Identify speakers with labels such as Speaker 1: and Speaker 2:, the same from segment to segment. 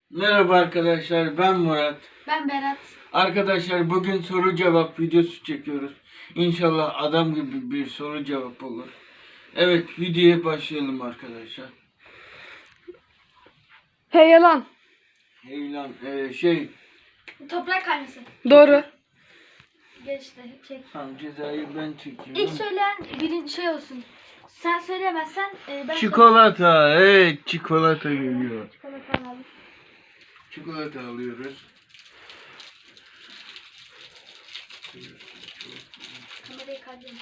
Speaker 1: Merhaba arkadaşlar, ben Murat.
Speaker 2: Ben Berat.
Speaker 1: Arkadaşlar bugün soru cevap videosu çekiyoruz. İnşallah adam gibi bir soru cevap olur. Evet, videoya başlayalım arkadaşlar.
Speaker 3: Hey yalan.
Speaker 1: Hey lan,
Speaker 2: Toprak kaynası.
Speaker 3: Doğru.
Speaker 2: Geçti. Çek.
Speaker 1: Tamam, cezayı ben çekiyorum.
Speaker 2: İlk söyleyen birinci şey olsun. Sen söyleyemezsen ben...
Speaker 1: Çikolata, evet çikolata geliyor.
Speaker 2: Çikolata alalım.
Speaker 1: Çikolata alıyoruz.
Speaker 2: Kamerayı kaydedin.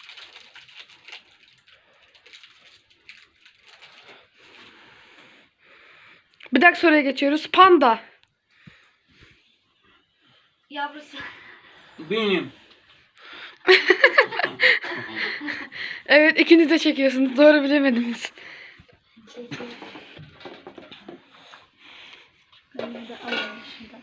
Speaker 3: Bir dakika soruya geçiyoruz. Panda.
Speaker 2: Yavrusu.
Speaker 1: Benim.
Speaker 3: Evet, ikiniz de çekiyorsunuz. Doğru bilemediniz.
Speaker 2: Çekiyor. Ben de alalım şuradan.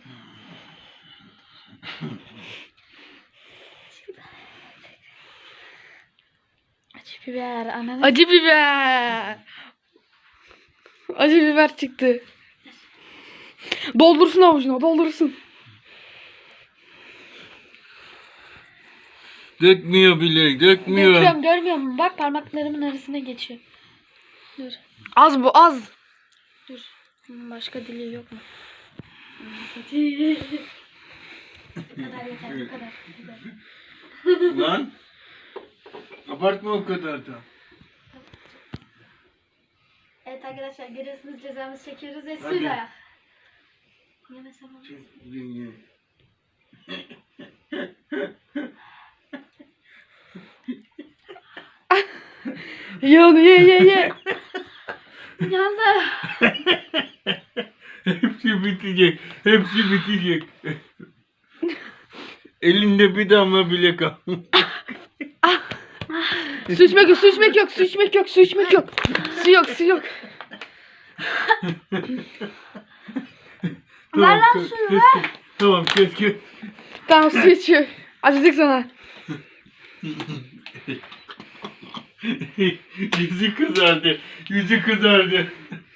Speaker 2: Acı biber, ananas.
Speaker 3: Acı biber. Acı biber çıktı. Doldursun avucuna, doldursun.
Speaker 1: Dökmüyor bile, dökmüyor.
Speaker 2: Döküyorum, görmüyor musun? Bak parmaklarımın arasına geçiyor. Dur.
Speaker 3: Az bu, az.
Speaker 2: Dur. Başka dili yok mu? Bu kadar yeter, bu kadar.
Speaker 1: Lan. Abartma o kadar da.
Speaker 2: Evet arkadaşlar görüyorsunuz cezamızı çekiyoruz ve
Speaker 1: Hadi.
Speaker 2: suyla. Yemesem olmaz.
Speaker 1: Ye.
Speaker 3: Ye onu, ye.
Speaker 2: Yandı.
Speaker 1: Hepsi bitecek. Hepsi bitecek. Elinde bir damla bile kalmadı.
Speaker 3: Su içmek yok, su içmek yok, su içmek yok, su içmek yok. Su yok, su yok.
Speaker 2: Ver lan
Speaker 1: kes,
Speaker 2: suyu,
Speaker 1: kes,
Speaker 2: ver.
Speaker 1: kes. Tamam kes.
Speaker 3: Tamam, su içiyor. Acıdık sana.
Speaker 1: Yüzü kızardı. Yüzü kızardı.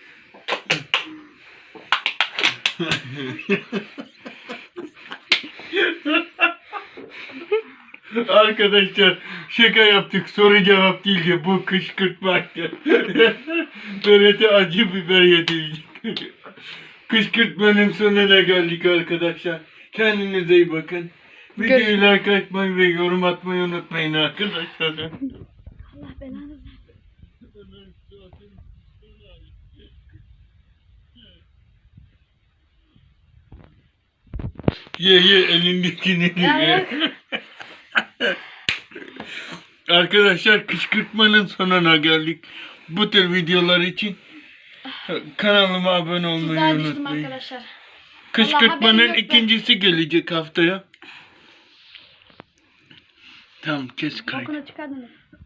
Speaker 1: Arkadaşlar şaka yaptık. Soru cevap değildi. Bu kışkırtmaydı. Berat'e acı biber yedirdik. Kışkırtmanın sonuna geldik arkadaşlar. Kendinize iyi bakın. Videoyu like atmayı ve yorum atmayı unutmayın arkadaşlar.
Speaker 2: Allah belanı versin.
Speaker 1: Ye elindekini ye. Arkadaşlar kışkırtmanın sonuna geldik. Bu tür videolar için kanalıma abone olmayı
Speaker 2: Tuzağa düştüm
Speaker 1: unutmayın.
Speaker 2: arkadaşlar.
Speaker 1: Kışkırtmanın
Speaker 2: haberim yok
Speaker 1: ikincisi gelecek haftaya. Tamam kes kaydı.
Speaker 2: Bokunu çıkardın.